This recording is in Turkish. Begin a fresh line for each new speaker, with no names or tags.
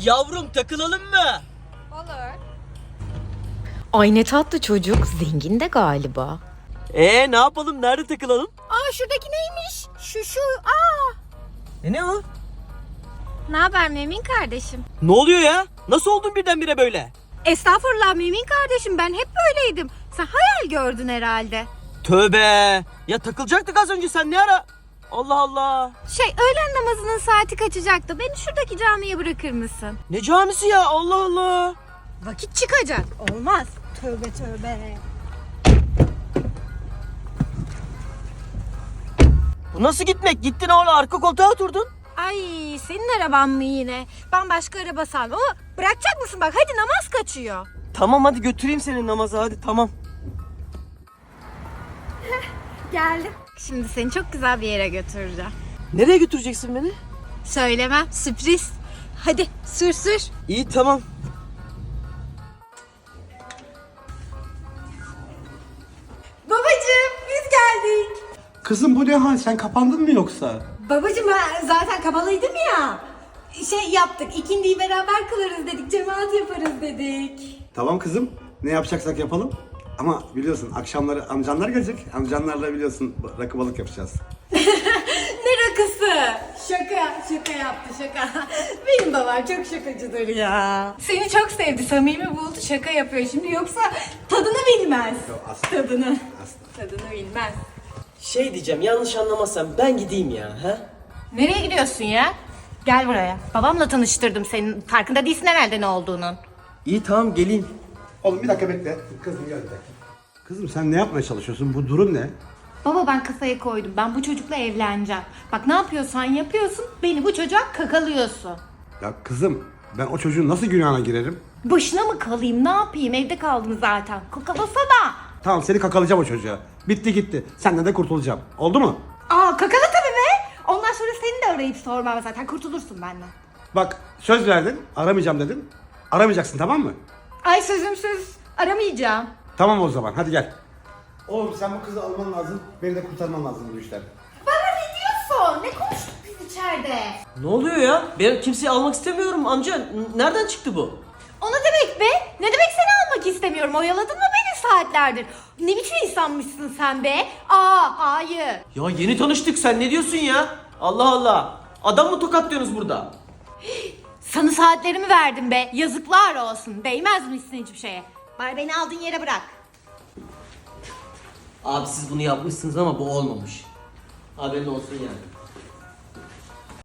Yavrum takılalım mı?
Olur.
Ay ne tatlı çocuk. Zengin de galiba.
Ne yapalım? Nerede takılalım?
Aa şuradaki neymiş? Şu.
Ne o?
Ne haber Mümin kardeşim?
Ne oluyor ya? Nasıl oldun birdenbire böyle?
Estağfurullah Mümin kardeşim, ben hep böyleydim. Sen hayal gördün herhalde.
Tövbe. Ya takılacaktık az önce, sen ne ara? Allah Allah.
Öğlen namazının saati kaçacaktı. Beni şuradaki camiye bırakır mısın?
Ne camisi ya? Allah Allah.
Vakit çıkacak. Olmaz. Tövbe.
Bu nasıl gitmek? Gittin orada arka koltuğa oturdun.
Ay senin araban mı yine? Ben başka araba sandım ama bırakacak mısın bak, hadi namaz kaçıyor.
Tamam hadi götüreyim seni namaza, hadi tamam.
Geldim. Şimdi seni çok güzel bir yere götüreceğim.
Nereye götüreceksin beni?
Söylemem, sürpriz. Hadi sür.
İyi tamam.
Babacığım biz geldik.
Kızım bu ne hal? Sen kapandın mı yoksa?
Babacığım ben zaten kabalıydım ya. Yaptık, ikindiyi beraber kılarız dedik, cemaat yaparız dedik.
Tamam kızım. Ne yapacaksak yapalım. Ama biliyorsun akşamları amcanlar gelecek. Amcanlarla biliyorsun rakı balık yapacağız.
Ne rakısı? Şaka yaptı şaka. Benim babam çok şakacıdır ya. Seni çok sevdi, samimi buldu, şaka yapıyor şimdi, yoksa tadını bilmez.
asla.
Tadını bilmez.
Şey diyeceğim, yanlış anlamazsan ben gideyim ya. Ha?
Nereye gidiyorsun ya? Gel buraya. Babamla tanıştırdım senin. Farkında değilsin herhalde ne olduğunun.
İyi tamam geleyim.
Oğlum bir dakika bekle. Kızım gel bir dakika. Kızım sen ne yapmaya çalışıyorsun? Bu durum ne?
Baba ben kafaya koydum. Ben bu çocukla evleneceğim. Bak ne yapıyorsan yapıyorsun. Beni bu çocuğa kakalıyorsun.
Ya kızım ben o çocuğun nasıl günahına girerim?
Başına mı kalayım? Ne yapayım? Evde kaldım zaten. Kakalasana.
Tamam seni kakalayacağım o çocuğa. Bitti gitti. Senden de kurtulacağım. Oldu mu?
Aa kakala tabii be. Ondan sonra seni de arayıp sormam zaten. Kurtulursun benden.
Bak söz verdin. Aramayacağım dedin. Aramayacaksın tamam mı?
Ay sözüm söz. Aramayacağım.
Tamam o zaman hadi gel. Oğlum sen bu kızı alman lazım. Beni de kurtarman lazım bu işten.
Bana ne diyorsun? Ne konuştuk biz içeride?
Ne oluyor ya? Ben kimseyi almak istemiyorum amca. Nereden çıktı bu?
O ne demek be? Ne demek seni almak istemiyorum? Oyaladın mı beni saatlerdir? Ne biçim insanmışsın sen be? Hayır.
Ya yeni tanıştık, sen ne diyorsun ya? Allah Allah. Adam mı tokatlıyorsunuz burada?
Sana saatlerimi verdim be. Yazıklar olsun. Değmezmişsin hiçbir şeye. Bari beni aldığın yere bırak.
Abi siz bunu yapmışsınız ama bu olmamış. Haberin olsun yani.